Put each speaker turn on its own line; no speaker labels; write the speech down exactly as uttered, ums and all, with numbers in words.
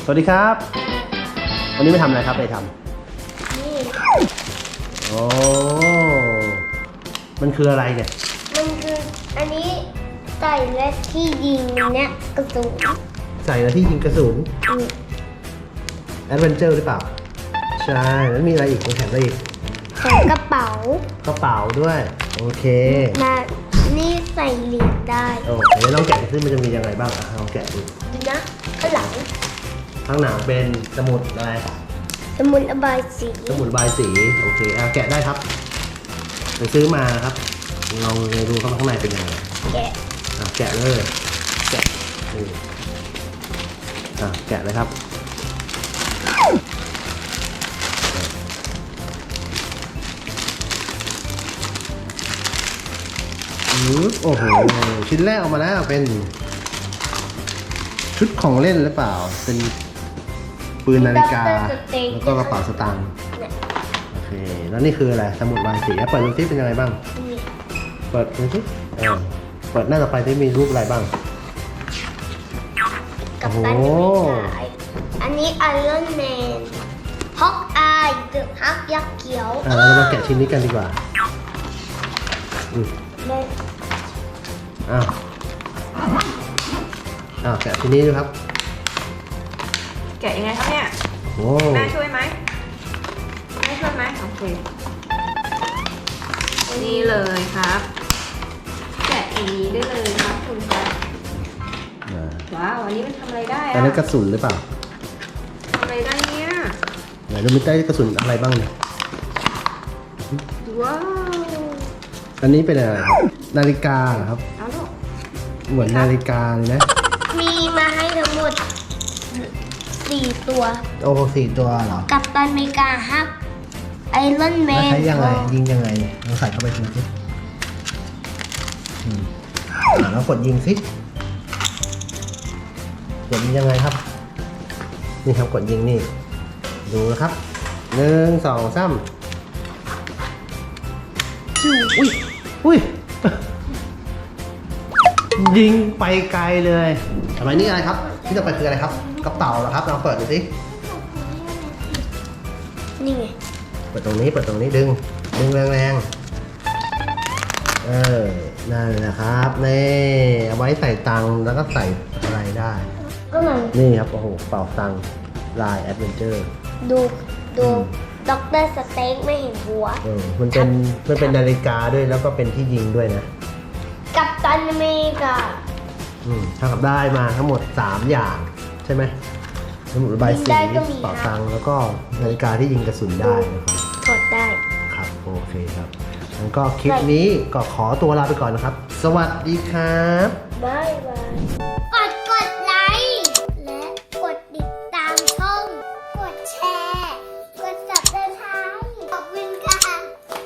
สวัสดีครับวันนี้ไม่ทำอะไรครับไปทำ
นี่
โอ้มันคืออะไรเนี่ย
มันคืออันนี้ใส่และที่ยิงเนี่ยกระสุน
ใส่แล้วที่ยิงกระสุนแอดเวนเจอร์หรือเปล่าใช่แล้วมีอะไรอีกมันแถมอะไรอีก
ใส่กระเป๋าก
ระเป๋าด้วยโอเค
มานี่ใส่เหรียญได้
โอเคลองแกะดูซิมันจะมียังไงบ้างอ่ะลองแกะดู
ดูนะข้างหลัง
ข้างหนังเป็นสมุดอะไร
สมุดระบายสี
สมุดระบายสีโอเคอ่ะแกะได้ครับไปซื้อมาครับลองดูข้างในเป็นยังไง
แกะ
อ่ะแกะเลยแกะนี่อ่ะแกะเลยครับโอ้โหชิ้นแรกออกมาแล้วเป็นชุดของเล่นหรือเปล่าเป็นปืนนาฬิกาแล้วก็กระเป๋าสตางค์โอเคแล้วนี่คืออะไรสมุดวายสีเปิดดูซิเป็นยังไงบ้างเปิดดูซิเออเปิดหน้าต่อไปที่มีรูปอะไรบ้าง
กับตันอเมริกาอันนี้ไอรอนแมนฮอกอายเดอะฮักยักษ์เขียว
อ่ะเรามาแกะชิ้นนี้กันดีกว่าอืมอ้าวอ้าวแกะชิ้นนี้ดูครับ
แกะยังไงครับเนี่ย
โอ้
แม่ช่วยไหมแม่ช่วยไหมโอเคนี่เลยครับแกะอย่างนี้ได้เลยครับคุณครับว้าวอันนี้มันทำอะไรได้อะ
อันนี้กระสุนหรือเปล่า
ทำอะไรได้เนี่ย
ไหนดูมีได้กระสุนอะไรบ้างเนี่ย
ว้าว
อันนี้เป็นอะไรนาฬิกาเหรอครับ
เอาลูก
เหมือนนาฬิกาเลยนะ
มีมาให้ทั้งหมดสี่ตัว
โอ้สี่ตัวเหรอ
กับตันอเมริกาฮักไอรอนแมน
ใช้ยังไงยิงยังไงลองใส่เข้าไปดูสิอ่าแล้วกดยิงสิกดยิงยังไงครับนี่ครับกดยิงนี่ดูนะครับหนึ่งสองสามอุ้ยอุ้ยยิงไปไกลเลยทำไมนี่อะไรครับที่จะไปคืออะไรครับกระเป๋าเหรอครับลองเปิดดูสิ
นี่ไง
เปิดตรงนี้เปิดตรงนี้ดึงดึงแรงๆเออนั่นแหละครับนี่เอาไว้ใส่ตังค์แล้วก็ใส่อะไรได้
ก็มัน
นี่ครับโอ้โหเป่าตังค์ลายแอดเวนเจอร์
ดูดูด็อกเตอร์สเต็กไม่เห็นหัว
เออมันเป็นมันเป็นนาฬิกาด้วยแล้วก็เป็นที่ยิงด้วยนะ
กับตันอเมริกา
อืมเท่ากับได้มาทั้งหมดสามอย่างใช่ไหมสมุดระบายสีเป่าตังค์แล้วก็นาฬิกาที่ยิงกระสุนได้นะครับ
ถอดได้
ครับโอเคครับงั้นก็คลิปนี้ก็ขอตัวลาไปก่อนนะครับสวัสดีครับ
บ๊ายบาย